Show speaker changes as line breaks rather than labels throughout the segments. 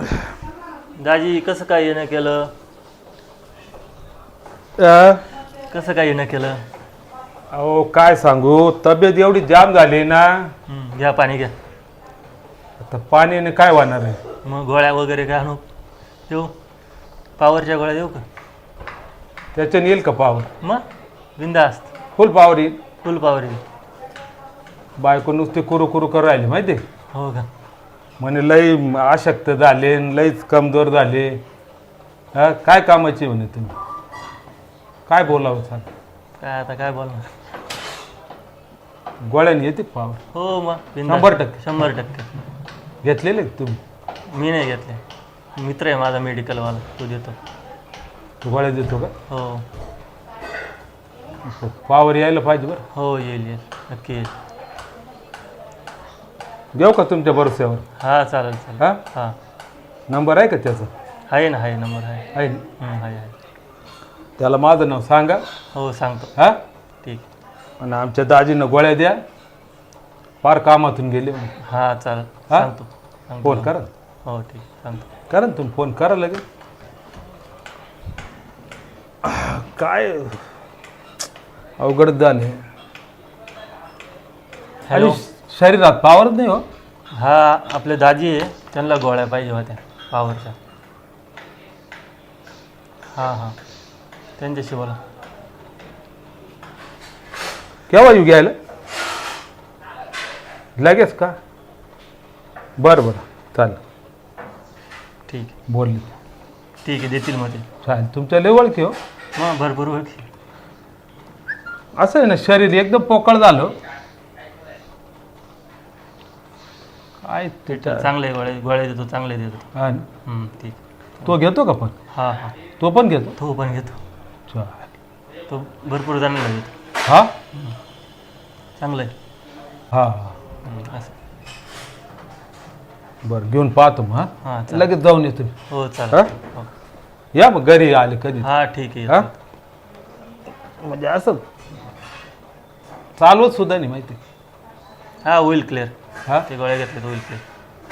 दाजी कसं काय येणं केलं? कसं काय येणं केलं?
अहो काय सांगू, तब्येत एवढी जाम झाली ना.
घ्या पाणी घ्या.
आता पाण्याने काय होणार आहे?
मग गोळ्या वगैरे काय आणू देऊ? पावरच्या गोळ्या देऊ का?
त्याच्याने येईल का पावर?
मग बिंदास्त
फुल पावर येईल.
फुल पावर येईल.
बायको नुसती कुरू कुरू करू राहिली माहिती आहे?
हो का?
म्हणे लई अशक्त झाले, लईच कमजोर झाले. काय कामाची म्हणे तुम्ही? काय बोलावं सांग?
काय आता काय बोलणार?
गोळ्याने येते पावर?
हो मग
100%.
100%
घेतलेले तुम्ही?
मी नाही घेतले. मित्र आहे माझा मेडिकलवाला, तो देतो.
तू गोळ्या देतो का?
हो
पावर यायला पाहिजे बरं.
हो येईल येईल नक्की येईल.
घेऊ का तुमच्या भरोश्यावर?
हां चालेल चालेल.
हां
हां
नंबर आहे का त्याचा?
आहे ना, आहे नंबर आहे.
आहे ना?
आहे आहे.
त्याला माझं नाव सांगा.
हो सांगतो.
हां
ठीक.
आणि आमच्या दाजीनं गोळ्या द्या, फार कामातून गेले म्हणे.
हां चालेल
हा?
सांगतो.
फोन करा.
हो ठीक सांगतो.
करा ना तुम्ही फोन करा लगेच. काय अवघड झाले.
हॅलो.
आणि शरीरात पावरच नाही हो.
हा आपले दाजी आहे, त्यांना गोळ्या पाहिजे होत्या पावरच्या. हां हां त्यांच्याशी बोला.
केव्हा येऊ घ्यायला? लगेच का? बरं बरं चालेल.
ठीक
बोलली.
ठीक आहे देतील मग ते.
चालेल. तुमच्या लय ओळखी हो.
मग भरपूर ओळखी.
असं आहे ना, शरीर एकदम पोकळ झालं. काय त्याच्या
चांगले गोळ्या गोळ्या देतो, चांगले देतो.
हा ना.
ठीक.
तो घेतो का पण?
हां हां
तो पण घेतो?
तो पण घेतो.
चालेल.
तो भरपूर जणांना देतो.
हा
चांगलं आहे.
हा
असं.
बरं घेऊन पाहतो मग.
हां
हां
चालेल.
लगेच जाऊन येतो.
हो
हा?
चालेल. हो.
या मग घरी आले कधी.
हां ठीक आहे.
हा म्हणजे असं चालवत सुद्धा नाही माहिती.
हां होईल क्लिअर.
हा
ते गोळ्या घेतले तर होईल क्लिअर.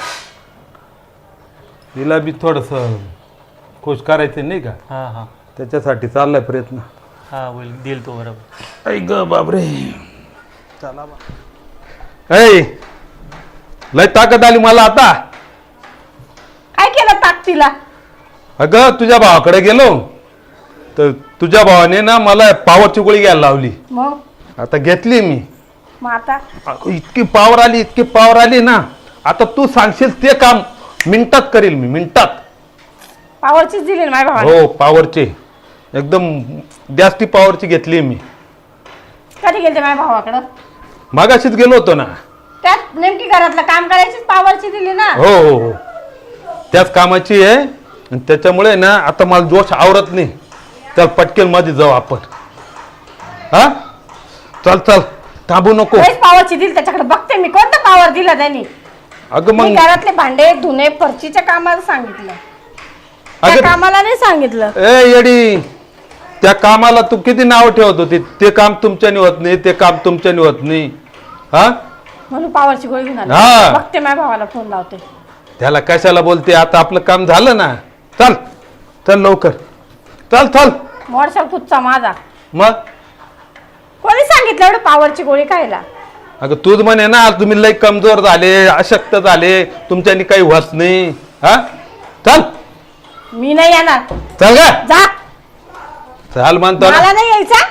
तिला बी थोडस खुश करायचं नाही का,
हां हां
त्याच्यासाठी चाललाय प्रयत्न.
हां होईल, देईल तो बरोबर.
ऐ ग बापरे. चला ऐ लय ताकद आली मला आता.
काय केलं ताकदीला?
अगं तुझ्या भावाकडे गेलो तर तुझ्या भावाने ना मला पावरची गोळी घ्यायला लावली.
मग
आता घेतली मी.
मग आता
अगं, इतकी पावर आली ना. आता तू सांगशील ते काम मिनिटात करील मी, मिनिटात.
पावरचीच दिली ना माझ्या भावाने.
हो पावरची, एकदम जास्ती पावरची घेतली मी.
कधी गेलते माझ्या भावाकडं?
मागाशीच गेलो होतो ना.
त्यात नेमकी घरातलं काम करायचीच पावरची दिली ना.
हो हो हो त्याच कामाची आहे. आणि त्याच्यामुळे ना आता मला जोश आवरत नाही. चल पटकेल मध्ये जाऊ आपण. हा चल चल थांबू नको.
पावरची दिली त्याच्याकडे बघते मी कोणतं पावर दिलं त्यांनी.
अगं
मी
मग
घरातले भांडे धुणे फरशीच्या कामाला सांगितलं, त्या
अगं
कामाला नाही सांगितलं.
ए येडी, त्या कामाला तू किती नाव ठेवत होती. ते काम तुमच्याने होत नाही, ते काम तुमच्याने होत नाही. हा
म्हणून पावरची गोळी घेऊन आली.
हा.
बघते माझ्या भावाला फोन लावते.
त्याला कशाला बोलते, आता आपलं काम झालं ना. चल चल लवकर चल चल.
मोडशाल कुठचा माझा.
मग
कोणी सांगितलं एवढं पावरची गोळी खायला?
अगं तूच म्हणे ना तुम्ही लई कमजोर झाले, अशक्त झाले, तुमच्यानी काही होत नाही. हा चल.
मी नाही येणार.
चल ग.
जा.
चल म्हणतो ना.
मला नाही यायचा.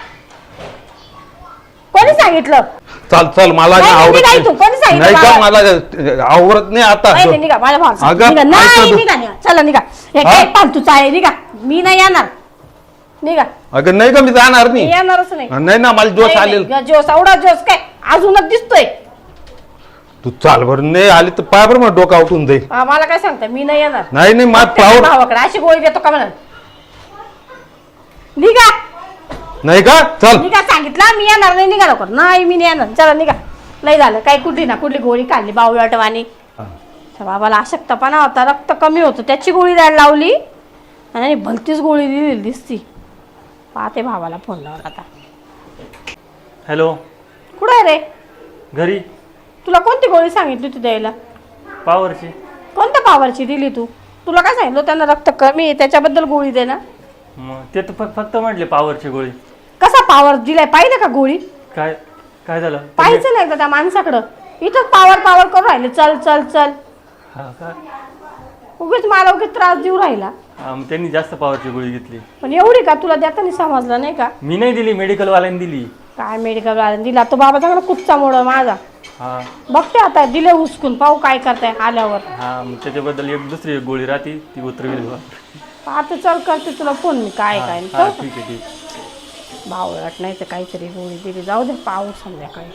कोणी सांगितलं?
चल चल मला
नाही,
आवडत
निघा
नाही.
इथून. कोणी सांगितलं
नाही का
मला?
मला आवडत नाही आता.
नाही नाही, निघा माझ्या भावाला
अगं,
निघा.
ऐका
नाही
तू.
निघा निघा. चला निघा. हे
हा?
काय फालतूचं आहे, निघा. मी नाही येणार. निघा.
अगं नाही का मी जाणार
मी
नाही.
येणारच नाही.
नाही ना मला जोश
नाही,
आलेल.
नाही, जोश एवढा जोश काय अजूनच दिसतोय.
तू चाल बरं. नाही आली तर पाय बरं मग डोकं उठून जाईल.
मला काय सांगता, मी नाही येणार.
नाही नाही माझ
त्याच्या
पावर
भावाकडे अशी गोळी देतो का म्हणा. निघा
नाही का. चल
निघा सांगितलं. मी येणार नाही. निघा लवकर. नाही मी नाही येणार. चला निघा. लय झालं काय, कुठली ना कुठली गोळी काढली बावळटवानी. बाबाला अशक्तपणा होता, रक्त कमी होतं, त्याची गोळी द्यायला लावली आणि भलतीच गोळी दिलेली दिसती. पाहते भावाला फोन लावून आता.
हॅलो.
कुठं आहे रे?
घरी.
तुला कोणती गोळी सांगितली होती द्यायला?
पावरची.
कोणत्या पावरची दिली तू? तुला काय सांगितलं त्यांना रक्त कमी आहे त्याच्याबद्दल गोळी दे ना.
मग ते तर फक्त म्हटले पावरची गोळी.
कसा पावर दिलाय पाहिलं का गोळी?
काय काय झालं?
पाहायचं नाही का त्या माणसाकडं? इथंच पावर पावर करून राहिले, चल चल चल.
हा का?
उगीच मला उगीच त्रास देऊ राहिला.
हा, मग त्यांनी जास्त पावरची गोळी घेतली.
पण एवढी का तुला देताना समजलं नाही का?
मी नाही दिली, मेडिकलवाल्यांनी दिली.
काय मेडिकल वाल्याने दिला तो बाबा चांगला कुच्चा मोड माझा.
हा
बघते आता दिले हुसकून पाहू काय करताय आल्यावर.
हा, मग त्याच्याबद्दल दुसरी एक गोळी राहते ती उतरविली.
आता चल करते तुला फोन मी काय काय
हा, ठीक आहे ठीक.
बावळट नाही तर काहीतरी गोळी दिली. जाऊ दे पाहू संध्याकाळी.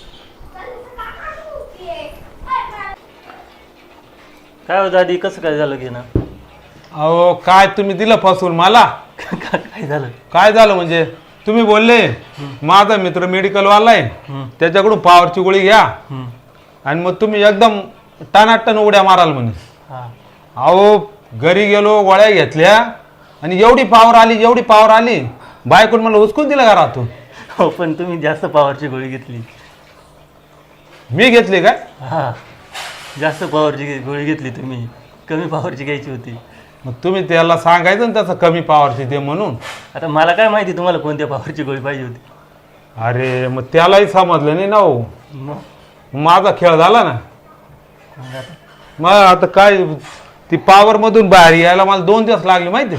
काय हो दादी, कसं काय झालं घे ना?
अहो काय तुम्ही दिलं फसवून मला?
काय झालं?
काय झालं म्हणजे तुम्ही बोलले माझा मित्र मेडिकलवाला आहे त्याच्याकडून पावरची गोळी घ्या आणि मग तुम्ही एकदम टनाटन उड्या माराल म्हणे.
हा,
अहो घरी गेलो गोळ्या घेतल्या आणि एवढी पावर आली बायकोन मला उचकून दिलं घरातून.
हो पण तुम्ही जास्त पावरची गोळी घेतली.
मी घेतली काय?
हा, जास्त पावरची गोळी घेतली तुम्ही. कमी पावरची घ्यायची होती.
मग तुम्ही त्याला सांगायचं ना तसं कमी पावरची ते म्हणून.
आता मला काय माहिती तुम्हाला कोणत्या पावरची गोळी पाहिजे होती.
अरे मग त्यालाही समजलं नाही ना हो.
मग
माझा खेळ झाला ना.
मग आता
मग आता काय ती पावर मधून बाहेर यायला मला 2 दिवस लागले माहिती.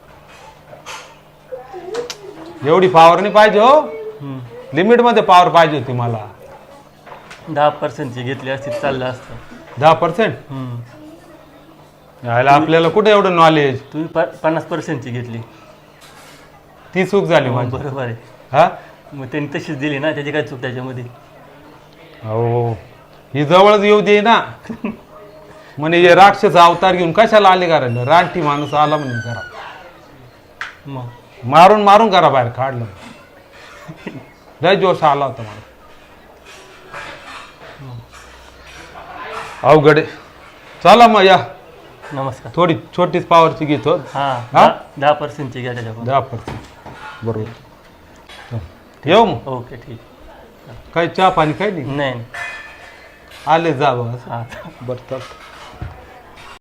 एवढी पावर नाही पाहिजे हो. लिमिट मध्ये पावर पाहिजे होती मला.
10% घेतली असती चाललं असतं.
10%? यायला आपल्याला कुठे एवढं नॉलेज.
तुम्ही 50% घेतली.
ती चूक झाली माझी.
बरोबर आहे.
हा
मग त्यांनी तशीच दिली ना, त्याची काय चूक त्याच्यामध्ये?
हो ही जवळच येऊ दे ना. म्हणे हे राक्षस अवतार घेऊन कशाला आले कारण रानटी माणूस आला म्हणे करा.
मग
मारून मारून करा बाहेर काढलं. लय जोश आला होता मला. अवघड आहे. चला मग या.
नमस्कार.
थोडी छोटीच पावरची घेतो.
हा,
हा?
10% घ्या त्याच्याकडून.
10%. बरोबर. येऊ मग.
ओके ठीक.
काही चहा पाणी काही नाही.
नाही
आले जा बघा.
हा.
बरं चालतं.